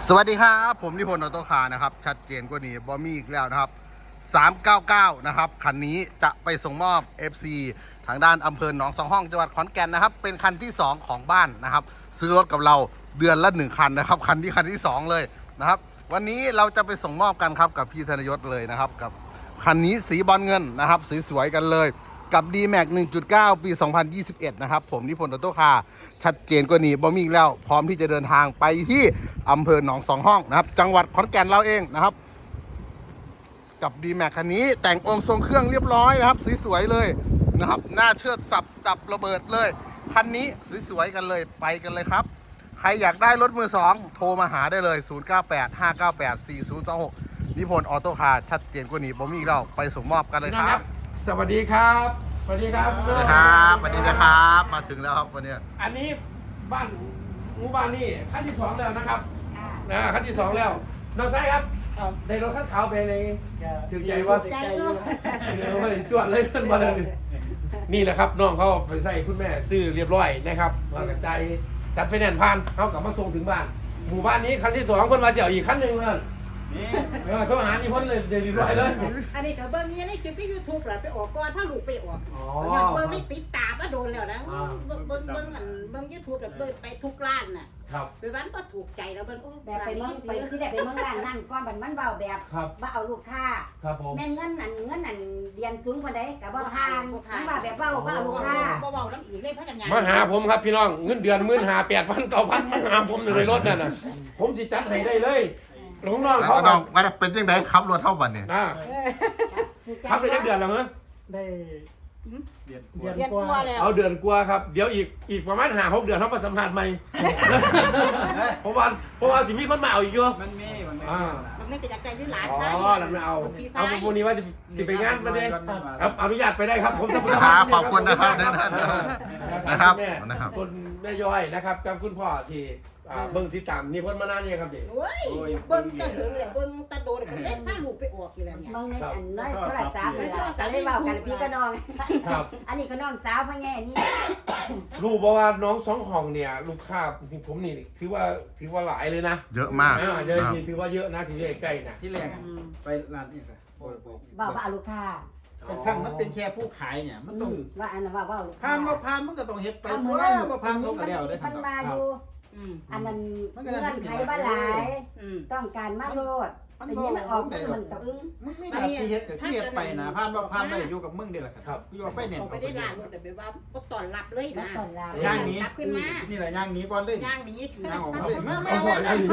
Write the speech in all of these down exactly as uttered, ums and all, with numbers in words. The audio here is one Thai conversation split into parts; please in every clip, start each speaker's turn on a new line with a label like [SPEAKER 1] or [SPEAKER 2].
[SPEAKER 1] สวัสดีครับผมนิพนธ์ออโต้คาร์นะครับชัดเจนกว่านี้บอมี่อีกแล้วนะครับสามเก้าเก้านะครับคันนี้จะไปส่งมอบ เอฟ ซี ทางด้านอำเภอหนองสองห้องจังหวัดขอนแก่นนะครับเป็นคันที่สองของบ้านนะครับซื้อรถกับเราเดือนละหนึ่งคันนะครับคันที่คันที่สองเลยนะครับวันนี้เราจะไปส่งมอบกันครับกับพี่ธนยศเลยนะครับกับคันนี้สีบอลเงินนะครับสีสวยกันเลยกับ ดี แม็กซ์ หนึ่งจุดเก้า ปี สองพันยี่สิบเอ็ด นะครับผมนิพนธ์ออโต้คาร์ชัดเจนกว่านี้บอมีอีกแล้วพร้อมที่จะเดินทางไปที่อำเภอหนองสองห้องนะครับจังหวัดขอนแก่นเราเองนะครับกับ ดี แม็กซ์ คันนี้แต่งองค์ทรงเครื่องเรียบร้อยนะครับสวยๆเลยนะครับหน้าเชิดสับดับระเบิดเลยคันนี้สวยๆกันเลยไปกันเลยครับใครอยากได้รถมือสองโทรมาหาได้เลยศูนย์ เก้า แปด ห้า เก้า แปด สี่ ศูนย์ สอง หกนิพนธ์ออโต้คาร์ชัดเจนกว่านี้บอมีอีกแล้วไปส่งมอบกันเลยครับ
[SPEAKER 2] สวัสดีครับสวัสดีครับ
[SPEAKER 1] สวัสดีครับสวัสดีนะครับมาถึงแล้วครับวันนี้
[SPEAKER 2] อันนี้บ้านหมู่บ้านนี่ขั้นที่สองแล้วนะครับนะขั้นที่สองแล้วน้องไส้ครับในรถขั้นขาวไปในถือใจว่าถือใจว่าจวดเลยขึ้นมาเลยนี่แหละครับน้องเขาไปใส่คุณแม่ซื้อเรียบร้อยนะครับมากระจายจัดไฟแนนซ์ผ่านเขากลับมาส่งถึงบ้านหมู่บ้านนี้ขั้นที่สองคนมาเสี่ยวอีกขั้นหนึ่งเลยนี่เออโทรหาอีพ่นเลยเดี๋ยวรีบร้อยเลย
[SPEAKER 3] อันนี้กับเบิ้งนี่ในคลิปที่ยูทูบแหละไปออกก่อนถ้าลูกไปออกย้อนเบิ้งไม่ติดตามมาโดนแล้วนะเบิ้งเบิ้งเบิ้งอันเบิ้งยูทูบแบบเบิ้งไปทุกร้านน่ะไปบ้านก็ถูกใจแล้วเบิ้ง
[SPEAKER 4] แบบไปเมืองไปที่ได้ไปเมืองร้านนั่นก้อนบันมันเบาแบบว่าเอาลูกค้าแม่เงินนั่นเงินนั่นเรียนสูงกว่าใดกับว่าทานมันว่าแบบว่าว่าลูกค้า
[SPEAKER 3] เบาๆน้ำอีกเลยพัฒนา
[SPEAKER 2] มาหาผมครับพี่น้องเงินเดือนหมื่นหาแปดพันเก้าพันมาหาผมอยู่ในรถนั่นน่ะผมสิจัดให้ได้เลยน้องน้องเขา
[SPEAKER 1] น้องมาเป็นยังไงขับรถเท่าวันเนี่ย
[SPEAKER 2] ขับได้จักเดือนแล้วมั้ย
[SPEAKER 5] ได้เดือน
[SPEAKER 3] เดือนกว่าแล้ว
[SPEAKER 2] เอาเดือนกว่าครับเดี๋ยวอีกอีกประมาณห้าหกเดือนเขามาสัมภาษณ์ใหม่เพราะว่าเพราะว่าสิมีคนมาเอาอีกเยอะ
[SPEAKER 5] มันมีมันมี
[SPEAKER 3] มันไม่จะอยากได้ยืนหลาน
[SPEAKER 2] อ๋อแล้วไม่เอาเอาพวกนี้ว่าสิไปงานมาเลยครับอนุญาตไปได้ครับผมจะ
[SPEAKER 1] ขอบคุณนะครับนะครับ
[SPEAKER 2] นะครับคุณแม่ย้อยนะครับกับคุณพ่อที่เบิ้งที่ตามนี่พ้นมานานเนี่ยครับเด็ก
[SPEAKER 3] โอ้ยเบิ้งตะเหิงเลยเบิ้งตะโดนกันเล่นผ้าลูกไปออกอยู่แล้วเนี่ย
[SPEAKER 4] เบิ้งในอันน้อยเท่าไหร่จ้าเลยจะได้เบากันพี่ก็น้องอันนี้ก็น้องสาวพ่อแง่นี่
[SPEAKER 2] รู้บอกว่าน้องสองห้องเนี่ยลูกค้าจริงผมนี่ถือว่าถือว่าหลายเลยนะ
[SPEAKER 1] เยอะมาก
[SPEAKER 2] เยอะถือว่าเยอะนะถือใกล้ๆนะ
[SPEAKER 5] ที่แรกไปร้านนี่ค่ะ
[SPEAKER 4] บ่าวว่าลูกค้า
[SPEAKER 5] แต่ทั้งมันเป็นแค่ผู้ขายเนี่ยมันต้อง
[SPEAKER 4] ว่าอันนั้นว่าว่า
[SPEAKER 5] ผ่านมาผ่านมันก็ต้องเฮ็ดไปเพราะว่าผ่านเขาก็แล้วได้
[SPEAKER 4] ทันมาอยู่อันนั้นเงื่อนไขบ้าหลายต้องการมาโลดแต่นี้มันออกมันตะอึ้ง
[SPEAKER 5] ไม่ได้ที่เฮ็ดกับที่เฮ็ดไปนะผ่านว่าผ่านได้อยู่กับมึงนี่แหละครับอยู่ไฟแนนซ์
[SPEAKER 3] ไปได้ร้านแต่ไปว่าก็ตอนรับเลยนะ
[SPEAKER 5] ย่างนี้
[SPEAKER 3] ขึ้นมา
[SPEAKER 5] นี่แหละย่างนี้ก่อนเลย
[SPEAKER 3] ย่างนี้
[SPEAKER 5] ย่างออกมาเลยไม่ไม่ไม่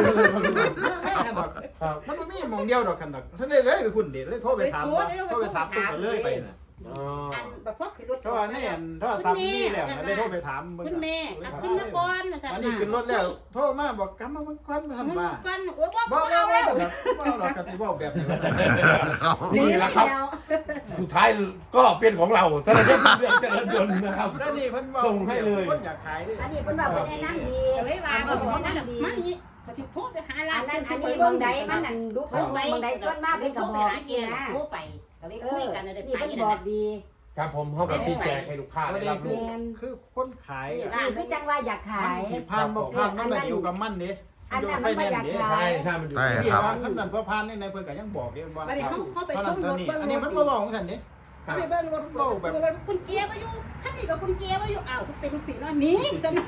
[SPEAKER 5] มันไม่มีมองเดียวดอกกันดอกท่านได้เลยคือคุณเด็ดเลยโทรไปถามโทรไปถามคุณเลยไปนะ
[SPEAKER 3] อันแบบพวกขึ้นรถ
[SPEAKER 5] เพราะว่านี่อันถ้าทำนี่แหละได้โทรไปถาม
[SPEAKER 3] คุณแม่ขึ้นมาก่อน
[SPEAKER 5] อันนี้ขึ้นรถแล้วโทรมาบอกกำมาก่อนมาทำมา
[SPEAKER 3] ก่อนโอ้ว่าบอกเอาแล้ว
[SPEAKER 5] บอกเรากันที่บอกแบบนี้
[SPEAKER 2] นี่แหละครับสุดท้ายก็เป็นของเราถ้าเราจะเลือกเจริญยนต์นะครับส่งให้เลย
[SPEAKER 5] คนอยากขาย
[SPEAKER 4] อันนี้คนบอกว่าแนะนำดี
[SPEAKER 3] เลยว่าบอกแนะนำดีมันนี่ก็สิโทรไปหาร้าน
[SPEAKER 4] นั้นอันนี้บางใดมันนั่นดูเพิ่นบางใดชวนมาเป็นกระบอก
[SPEAKER 3] นี่นะโทรไปก็เลยคุยกันได้ไป
[SPEAKER 4] นี่บอกดี
[SPEAKER 2] ครับผมเขาก็ชี้แจงให้ลูกค้าได้รับรู้
[SPEAKER 5] คือคนขาย
[SPEAKER 4] คือจังว่าอยากขาย
[SPEAKER 5] ผ่านบอกผ่านมันอยู่กับมันนี่
[SPEAKER 4] อันนั้นไม่อยากขาย
[SPEAKER 2] ใช่ใช่มันอยู่
[SPEAKER 5] ที่ว่าขั้นนั้นพอผ่านนี่ในเพิ่นก็ยังบอกเด้ว่าอันนี้เขาไปชมรถเบิ่งอันนี้มันบ่บอกของฉันนี่
[SPEAKER 3] ไปเบิ่งรถก็แบบคุณเกียร์มาอยู่ท่านนี่กับคุณเกียร์มาอยู่อ้าวเป็นสีน้อยนี้ซั่น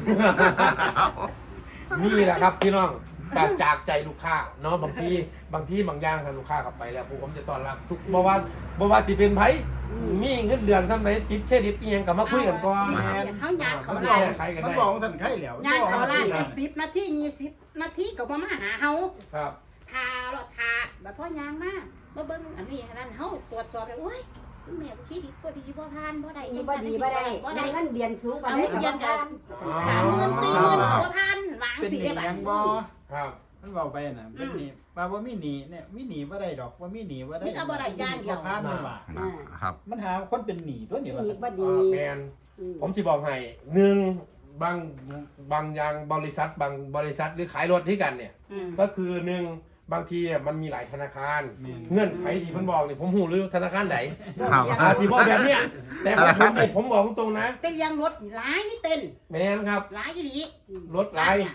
[SPEAKER 2] นี่แหละครับพี่น้องจากจากใจลูกค้าเนาะบางทีบางทีบางอย่างทางลูกค้ากลับไปแล้วผมจะต้อนรับทุกบ่ว่าบ่ว่าสิเป็นไผมีเงินเดือนซ้ำไหนติดเครดิตอีหยังก็มาคุยกันก่อน
[SPEAKER 3] เฮายางเขา
[SPEAKER 5] ได้มันบอกสั่นไข่แล้ว
[SPEAKER 3] ยางเขาล้านสิบนาทียี่สิบนาทีก็บ่มาหาเฮา
[SPEAKER 2] ครับ
[SPEAKER 3] ทารถทาแบบพ่อยางมาบ่เบิ่งอันนี้อันนั้นเฮาตรวจสอบแล้วโอ้ยแม่คิดดีบ่ดีบ่ทานบ่ได้
[SPEAKER 4] นี่บ่ดีบ่ได้บ่ได้เงินเดือนสูงกว่าได้
[SPEAKER 3] เงินเดือนสามหมื่นสี่หมื่นบ่ทานหวังสิได้
[SPEAKER 5] บ่
[SPEAKER 2] ครับ
[SPEAKER 5] มันบอกไปน่ะเป็นหนี้ว่าบ่มีหนี้เนี่ยมีหนี้บ่ได้ดอกว่ามีหนี้บ่ได้
[SPEAKER 3] มีก็บ่ได้อย่างเดียว
[SPEAKER 5] ผ่านมาว่า
[SPEAKER 1] ครับ
[SPEAKER 5] มันหาคนเป็นหนี้ตัวนี้ว่า
[SPEAKER 4] บ่ดี
[SPEAKER 2] แม่นผมสิบอกให้หนึ่งบางบางอย่างบริษัทบางบริษัทหรือขายรถที่กันเนี่ยก็คือหนึ่งบางทีมันมีหลายธนาคารเงื่อนไขที่ผมบอกเนี่ยผมหูหรือธนาคารไหนที่บอกแบบเนี้ยแต่ผมผมบอกตรงๆนะ
[SPEAKER 3] เต้นยังรถหลายนี่เต้น
[SPEAKER 2] แม่นครับ
[SPEAKER 3] หลายอีหลี
[SPEAKER 2] รถหลาย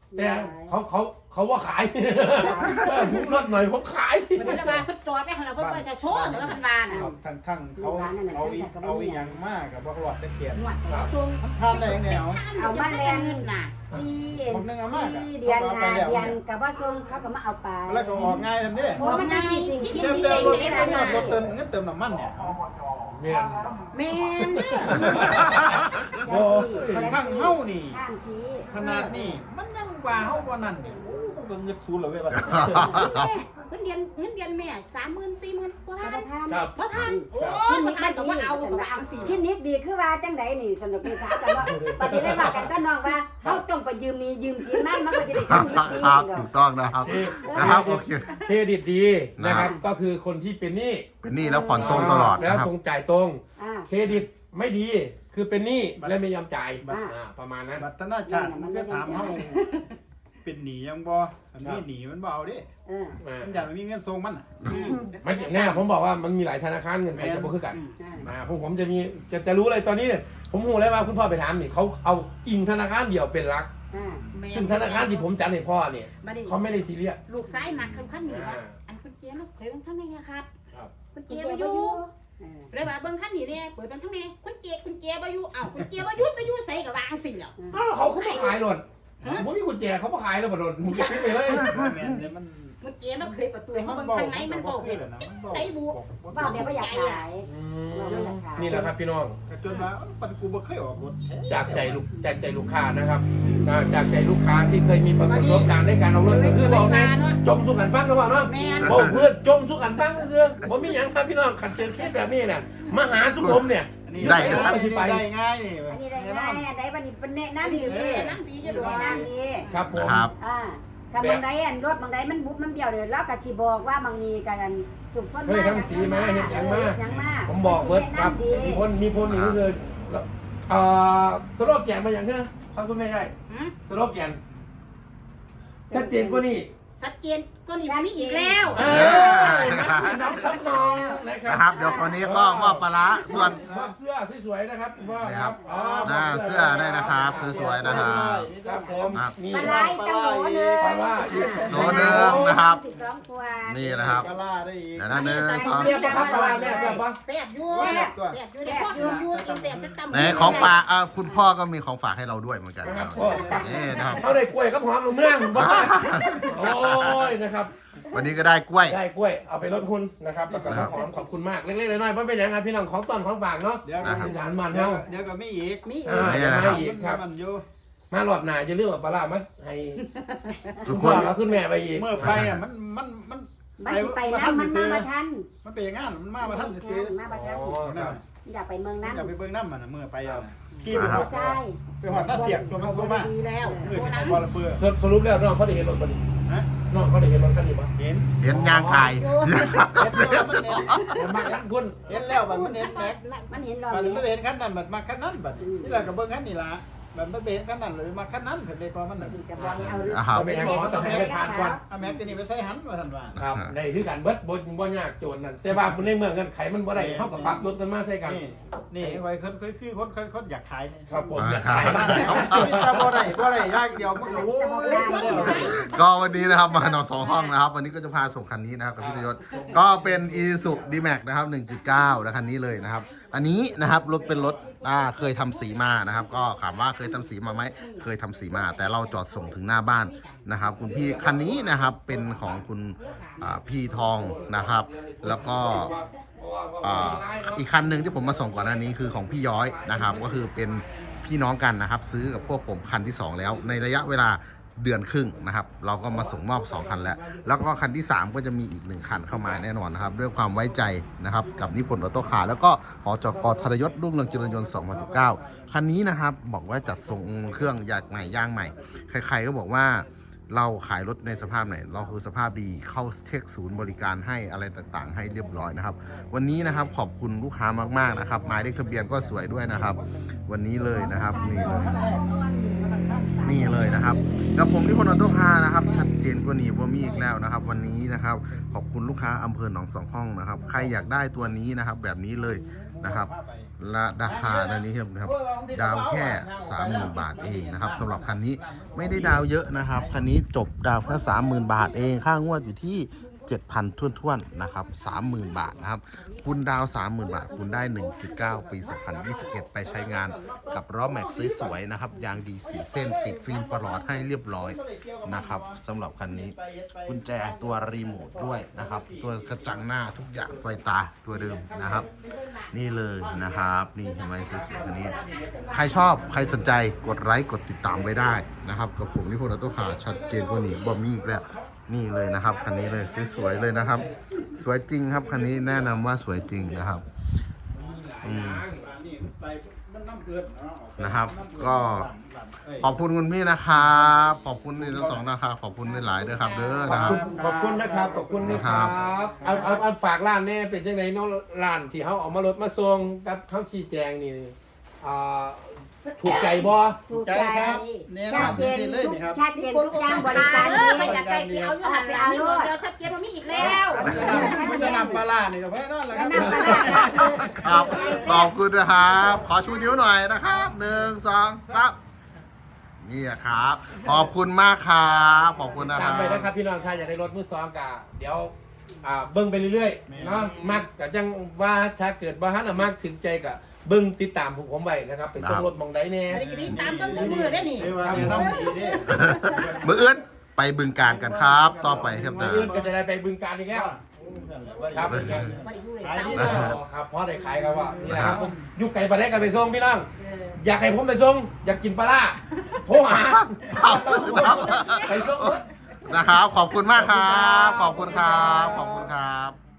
[SPEAKER 2] แต่เขาเขาเขาว่าขายผมลดหน่อยผมขาย
[SPEAKER 3] เพิ่นว่าเพิ่นจอดไปหั่นล่ะเพิ่นว่าจะโชว์แต่ว่าเพิ่นว่าน่ะ
[SPEAKER 5] ทั้งทั้งเขาเอาอีเอาอีหยังมากกับบ่รอดตะเกียบ
[SPEAKER 3] หนวดส่ง
[SPEAKER 5] ทานได้ยังไงเอา
[SPEAKER 3] เอามาแลนน่ะ
[SPEAKER 4] สี่
[SPEAKER 5] ผมนึงเอามากอะ
[SPEAKER 4] สี่เดือนห้าเดือนกับว่าส่งเขาก็มาเอาไป
[SPEAKER 5] แล้วก็ออกง่ายทำดิ
[SPEAKER 4] เพราะมันน่าสิสิ่งที่
[SPEAKER 5] เติม
[SPEAKER 4] ดี
[SPEAKER 5] เติมรถ
[SPEAKER 4] ได้
[SPEAKER 5] เติม
[SPEAKER 4] ได้
[SPEAKER 5] รถเติมเงินเติมน้ำมันเนี่ย
[SPEAKER 2] เมียน
[SPEAKER 3] แม่น
[SPEAKER 5] โอ้ทั้งเฮานี่
[SPEAKER 4] ข้ามชี้
[SPEAKER 5] ขนาดนี้มันยังว่าเฮาบ่นั่นนี่โอ้มันเงินซูนเลยเว้ยบัด
[SPEAKER 3] เงินเดือนเงินเดือนแม่สามหมื่นสี่หมื่นบ่
[SPEAKER 4] ก
[SPEAKER 3] ทั
[SPEAKER 4] ระ
[SPEAKER 3] น
[SPEAKER 4] ทาน
[SPEAKER 2] ครับ
[SPEAKER 3] บ่ทันโอ้ยมันอันก็ว่าเอาก็ว่าเอาสิ
[SPEAKER 4] ที่นิดดีคือว่าจังไดนี่สนุกไปถามกันว่าปฏิได้ว่ากันก็น้องว่าเฮาต้องไปยืมมียืมสินมันมันก็จะได้
[SPEAKER 1] ครั
[SPEAKER 4] ที่
[SPEAKER 1] บ
[SPEAKER 4] นิดดี
[SPEAKER 1] ครับ
[SPEAKER 4] เนาะ
[SPEAKER 1] ถูกต้องนะครับนะครับโอเค
[SPEAKER 2] เครดิตดีนะครับก็คือคนที่เป็นหนี้
[SPEAKER 1] เป็นหนี้แล้วผ่อนตรงตลอด
[SPEAKER 2] แล้ว
[SPEAKER 1] นะครับ
[SPEAKER 2] ตรงจ่ายตรง
[SPEAKER 4] อ่า
[SPEAKER 2] เครดิตไม่ดีคือเป็นหนี้และไม่ยอมจ่าย
[SPEAKER 4] อ่า
[SPEAKER 2] อ่าประมาณนั้น
[SPEAKER 5] บัตรนาชาติมันก็ถามเฮาเป็นหนี้ยังบ่อันนี้หนี้มันบ่เอาเด้
[SPEAKER 4] เออ
[SPEAKER 2] อ่า
[SPEAKER 5] มันอยากมีเงินส่งมันน่ะ
[SPEAKER 2] มันแน่ผมบอกว่ามันมีหลายธนาคารเงินใครจะบ่คือกัน อ่าผมผมจะมีจะจะรู้เลยตอนนี้เนี่ยผมหูเลยว่าคุณพ่อไปถามนี่เขาเอาอิงธนาคารเดียวเป็นหลัก
[SPEAKER 4] อ่า
[SPEAKER 2] ซึ่งธนาคารที่ผมจัดให้พ่อเนี่ย
[SPEAKER 3] บ่ได้
[SPEAKER 2] เขาไม่ได้ซีเรียส
[SPEAKER 3] ลูกซ้ายมักคันคันนี่ว่า
[SPEAKER 2] อ่า
[SPEAKER 3] อันเพิ่นเกียร์ลูกเผยเบิ่งทางไหนนะครับ
[SPEAKER 2] ครับ
[SPEAKER 3] เพิ่น
[SPEAKER 4] เกี
[SPEAKER 3] เกี
[SPEAKER 4] ย
[SPEAKER 3] ยร์
[SPEAKER 4] ร์
[SPEAKER 3] บ่
[SPEAKER 4] บ่
[SPEAKER 3] อ
[SPEAKER 4] อยู่ ยู่
[SPEAKER 3] เลยว่าเบิ่งคันนี่เนี่ยเปิดเบิ่งทางไหนคุณเกียร์คุณเกียร์บ่อยู่เอ้าคุณเกียร์บ่อยู่ไปอยู่ไสก็วางสิแล้ว
[SPEAKER 2] อ้าวเขาเขามาขายหลดผมมีกุญแจเขามาขายแล้วบ่โดนผมจะซื้อไปเลย
[SPEAKER 5] แม่นเดี๋ยวมัน
[SPEAKER 3] คุณเกียร์มันเคยประตูเขาเบิ่งทางไหนมันบ่เห็น ไอ้บุ
[SPEAKER 4] ว่าเดี๋ยวบ่อยากขาย
[SPEAKER 2] อืมนี่แหละครับพี่น้อง
[SPEAKER 5] ก็จนว่าปันกูบ่เคยออกรถ
[SPEAKER 2] จากใจลูกจากใจลูกค้านะครับอ่าจากใจลูกค้าที่เคยมีประสบการณ์ในการเอารถก็คือบอกไงจมสุกันฟังหรือเปล่าเนาะ
[SPEAKER 3] แม่น
[SPEAKER 2] บอกเพื่อนจมสุกันฟังเสื้อผมมีอย่างครับพี่น้องขัดเจอเคสแบบนี้น่ะมาหาสุขมเนี่ย
[SPEAKER 1] ได้
[SPEAKER 2] นะ
[SPEAKER 1] นะ
[SPEAKER 2] ค
[SPEAKER 1] ครั
[SPEAKER 2] รับ บที่ไป
[SPEAKER 5] ได้ง่ายนี่
[SPEAKER 4] อันนี้ได้ง่ายอันใดบัดนี้เป็นแนะนำดี
[SPEAKER 3] เออนั่งดีจะดู
[SPEAKER 4] แนะ
[SPEAKER 3] นะ
[SPEAKER 4] นำดี
[SPEAKER 2] ครับผม
[SPEAKER 1] นะครับ
[SPEAKER 4] อ่าถ้าบางใดอันรถบางใดมันบุบมันเบี้ยวเดี๋ยวเราก็สิบอกว่าบางนี้กันจุกส้น
[SPEAKER 2] เฮ้ยทำสีมาเห็นอย่างมา
[SPEAKER 4] ยังมา
[SPEAKER 2] ผมบอกเบิร์ดครับมีคนมีคนนี่ก็คือเอ่อสโลแกนมาอย่างเนี้ยครับคุณแม่ใช่สโลแกนชัดเจนกว่านี้
[SPEAKER 3] ชัดเจนก็นี่มันมีอีกแล้ว
[SPEAKER 2] เออน้องซับน้องนะครั
[SPEAKER 1] นะครับ เดี๋ยวคนนี้ก็มอบปลาร้าส่วน
[SPEAKER 2] มอบเสื้อสวยๆนะครับว่าครับอ๋อ
[SPEAKER 1] หน้าเสื้อได้นะครับสวยๆนะครับ
[SPEAKER 2] ครับผม
[SPEAKER 1] ครับ
[SPEAKER 2] นี่
[SPEAKER 4] ปลาไหลตั้งโหลนึง
[SPEAKER 2] ปลาล่าอีก
[SPEAKER 1] โหลนึงนะครับ
[SPEAKER 4] สิบสองตัว
[SPEAKER 1] นี่นะครับ
[SPEAKER 5] กะล่าได้อีก
[SPEAKER 1] เดี๋ยวนะหนึ่งสอง
[SPEAKER 2] เรียกปะครับปลาล่าแม่เรียกปะ
[SPEAKER 3] แซ่บอยู่แซ่บอยู่ในพ่ออยู่อยู่กินแซ่บจะตำ
[SPEAKER 1] ไหนของฝากอ่ะคุณพ่อก็มีของฝากให้เราด้วยเหมือนกัน
[SPEAKER 2] นะ
[SPEAKER 1] นะ
[SPEAKER 2] ค
[SPEAKER 1] ค
[SPEAKER 2] รั
[SPEAKER 1] รั
[SPEAKER 2] บบ พ่อ
[SPEAKER 1] นี่นะครับ
[SPEAKER 2] เขาได้กล้วยกับหอมลงเมืองบ้าโอ้ยนะครับ
[SPEAKER 1] วันนี้ก็ได้กล้วย
[SPEAKER 2] ได้กล้วยเอาไปลดคุณนะครับแล้วก็หอมขอบคุณมากเล็กๆน้อยๆเพราะเป็นอย่างไรพี่น้องของตอนของฝากเนาะ
[SPEAKER 5] เดี๋ยว
[SPEAKER 1] นะครับ
[SPEAKER 2] อีสานมัน
[SPEAKER 5] เดี๋ยว
[SPEAKER 2] เฮา
[SPEAKER 5] เดี๋ยวก็มีอีก
[SPEAKER 3] มีอี
[SPEAKER 2] อ่าก
[SPEAKER 1] นี่
[SPEAKER 2] จะ
[SPEAKER 1] นะครับ
[SPEAKER 2] มาอีกครับ
[SPEAKER 5] มันอยู่
[SPEAKER 2] มารอบหน้าจะเรื่องปลาล่ามาให้
[SPEAKER 1] ทุกค
[SPEAKER 2] พ่อน เราขึ้นแม่ไปอีก
[SPEAKER 5] เมื่อไปอ่ะมันมันมัน
[SPEAKER 4] มันสิไปน้ำมันมาบ่ทัน
[SPEAKER 5] มันไปอย่างงั้นมันมาบ่ทันซื้อ
[SPEAKER 4] มาบ่ทัน
[SPEAKER 2] อ๋อครับ
[SPEAKER 4] อยากไปเมืองน้ำ
[SPEAKER 5] อย่าไปเบิ่งน้ำมันน่ะเมื่อไปอ่ะขี่
[SPEAKER 1] ค
[SPEAKER 5] ไป
[SPEAKER 1] รับ
[SPEAKER 5] หอด
[SPEAKER 4] ใช่
[SPEAKER 5] ไปหอดหน้าเสียงส่วนมันโทรมา
[SPEAKER 3] ดีแล้ว
[SPEAKER 5] เออ
[SPEAKER 3] ตัว
[SPEAKER 5] ที่
[SPEAKER 3] นั้น
[SPEAKER 5] บอลเฟือ
[SPEAKER 2] สรุปสรุปแล้วน้องเขาได้เห็นรถบัน
[SPEAKER 5] ฮะ
[SPEAKER 2] น้องเขาได้เห็นรถคันนี้ปะ
[SPEAKER 5] เห็น
[SPEAKER 1] เห็นยางไก่
[SPEAKER 5] เห็นแล้วมันเห็น
[SPEAKER 2] ผมมาคันพุ่น
[SPEAKER 5] เห็นแล้วบัดมันเห็นแม็ก
[SPEAKER 4] มันเห็นรอบ
[SPEAKER 5] บัด
[SPEAKER 4] นี้
[SPEAKER 5] มันเห็นคันนั้นบัดมาคันนั้นบัดนี่แหละก็เบิ่งคันนี่ล่ะบัดมันเห็นคันนั้นเลยมาคันนั้นถึงได้พอมันน่ะ
[SPEAKER 4] กับบอกให้เอา
[SPEAKER 1] ครับ
[SPEAKER 2] เป็นยังไงแต่ให้ไปผ่านก่อน
[SPEAKER 5] เอาแม็กตัวนี้ไปใส่หันว่าท่านว่า
[SPEAKER 2] ครับในที่การเบิดบ่บ่ยากโจรนั่นแต่ว่าคุณในเมืองกันไขมันบ่ได้เท่ากับปรับรถกันมาใส่กัน
[SPEAKER 5] นี่นี่ไว้คนคือคือคนคนคนอยากขายนี่
[SPEAKER 2] ครับผม
[SPEAKER 1] อ่า
[SPEAKER 2] อยาก
[SPEAKER 1] ครับ
[SPEAKER 2] ขายมาก
[SPEAKER 5] จะบ่ได้บ่ได้ยากเดียวมันโอ้ยเสียแล้ว
[SPEAKER 1] ก็วันนี้นะครับมาหนองสองห้องนะครับ วันนี้ก็จะพาส่งคันนี้นะครับกับพี่ตยศก็เป็น Isuzu D-Max นะครับ หนึ่งจุดเก้า นะคันนี้เลยนะครับ อันนี้นะครับรถเป็นรถอ่าเคยทำสีมานะครับ ก็ถามว่าเคยทำสีมาไหมเคยทำสีมา แต่เราจอดส่งถึงหน้าบ้านนะครับ คุณพี่คันนี้นะครับเป็นของคุณอ่าพี่ทองนะครับ แล้วก็อ่าอีกคันหนึ่งที่ผมมาส่งก่อนหน้านี้คือของพี่ย้อยนะครับ ก็คือเป็นพี่น้องกันนะครับ ซื้อกับพวกผมคันที่สองแล้ว ในระยะเวลาเดือนครึ่งนะครับ เราก็มาส่งมอบสองคันแล้ว แล้วก็คันที่สามก็จะมีอีกหนึ่งคันเข้ามาแน่นอนนะครับ ด้วยความไว้ใจนะครับกับนิพนธ์ออโต้คาร์แล้วก็หจก.ธรยศรุ่งเรืองเจริญยนต์สองพันสิบเก้าคันนี้นะครับบอกว่าจัดส่งเครื่องยางใหม่ย่างใหม่ใครๆก็บอกว่าเราขายรถในสภาพไหนเราคือสภาพดีเข้าเช็คศูนย์บริการให้อะไรต่างๆ ให้เรียบร้อยนะครับ วันนี้นะครับขอบคุณลูกค้ามากๆนะครับหมายเลขทะเบียนก็สวยด้วยนะครับ วันนี้เลยนะครับนี่เลย นี่เลยนะครับกับผมที่พลออโต้คาร์นะครับชัดเจนกว่านี้ว่ามีอีกแล้วนะครับ วันนี้นะครับขอบคุณลูกค้าอำเภอหนองสองห้องนะครับใครอยากได้ตัวนี้นะครับแบบนี้เลยนะครับและราคาในนี้ครับดาวแค่ สามหมื่น บาทเองนะครับสำหรับคันนี้ไม่ได้ดาวเยอะนะครับคันนี้จบดาวแค่ สามหมื่น บาทเองค่างวดอยู่ที่ เจ็ดพัน ท้วนๆนะครับ สามหมื่น บาทนะครับคุณดาว สามหมื่น บาทคุณได้ หนึ่งจุดเก้า ปี สองพันยี่สิบเอ็ด ไปใช้งานกับล้อแม็กซ์สวยๆนะครับยางดีสีเส้นติดฟิล์มประหลอดให้เรียบร้อยนะครับสำหรับคันนี้กุญแจตัวรีโมทด้วยนะครับตัวกระจังหน้าทุกอย่างไฟตาตัวเดิมนะครับนี่เลยนะครับนี่เห็นไหมสวยๆคันนี้ใครชอบใครสนใจกดไลค์กดติดตามไว้ได้นะครับกับผมนิพนธ์ออโต้คาร์ชัดเจนกว่านี้บ่มีอีกแล้วนี่เลยนะครับคันนี้เลยสวยๆเลยนะครับ สวยจริงครับคันนี้แนะนำว่าสวยจริงนะครับอืมนะครับ ก็ขอบคุณคุณพี่นะครับขอบคุณนี่ทั้งสองนะครับขอบคุณหลายๆด้วยครับเด้อ
[SPEAKER 2] ขอบ
[SPEAKER 1] นะครับ
[SPEAKER 2] คุณขอบคุณนะครับขอบคุณนะค
[SPEAKER 1] ครั
[SPEAKER 2] รับบ เอาเอาเอาฝากร้านแน่เป็นจังไดเนาะร้านที่เขาเอามารถมาส่งกับเขาชี้แจงนี่อ่าถูกใจบ่
[SPEAKER 4] ถูกใจชัดเจนทุกชัดเจนทุกอย่างบริการ
[SPEAKER 3] เอ
[SPEAKER 4] ดี
[SPEAKER 3] อไม่อยากไปเดียวอยู่หันไปเอาโลดเดี๋ยวชัดเจนว่ามีอีกแล้ว
[SPEAKER 5] มันจะนำปลาล่านี่ก็แพ้นอนแล้วครับ
[SPEAKER 4] น้ำปลาร้าคือ
[SPEAKER 1] ครับขอบคุณนะครับขอชูนิ้วหน่อยนะครับหนึ่งสองสามนี่ครับขอบคุณมากครับขอบคุณนะค
[SPEAKER 2] ตาม
[SPEAKER 1] รับ
[SPEAKER 2] ไปนะครับพี่น้องถ้าอยากได้รถมือสองกะเดี๋ยวอ่าเบิ้งไปเรื่อยๆเนาะมักก็จังว่าถ้าเกิดว่าฮันน่ะมักถึงใจกะเบิ้งติดตามผมผมไว้นะครับไปส่งรถมองได้แน่
[SPEAKER 3] ไม่ได้จะได้ตามเบิ่งมือได้นี่
[SPEAKER 5] เรียกว่าเนี่ยต้องดีดิ
[SPEAKER 1] มืออื่นไปบึงการกันครับ ต่อไปครับ
[SPEAKER 2] มื้
[SPEAKER 1] นะ
[SPEAKER 2] ออื่นก็จะได้ไปบึงการอีกแล้วครับ
[SPEAKER 3] ไม่ได้อยู่ในเสา
[SPEAKER 2] อ๋อครับเพราะได้ขายครับว่านี่แหละครับผมอยู่ไก่ปลาแดกกันไปส่งพี่น้องอยากให้ผมไปส่งอยากกินปลาล่าโทรหา
[SPEAKER 1] ขอบคุณครับ
[SPEAKER 2] ไปส่ง
[SPEAKER 1] นะครับ ขอบคุณมากครับ ขอบคุณครับ ขอบคุณครับ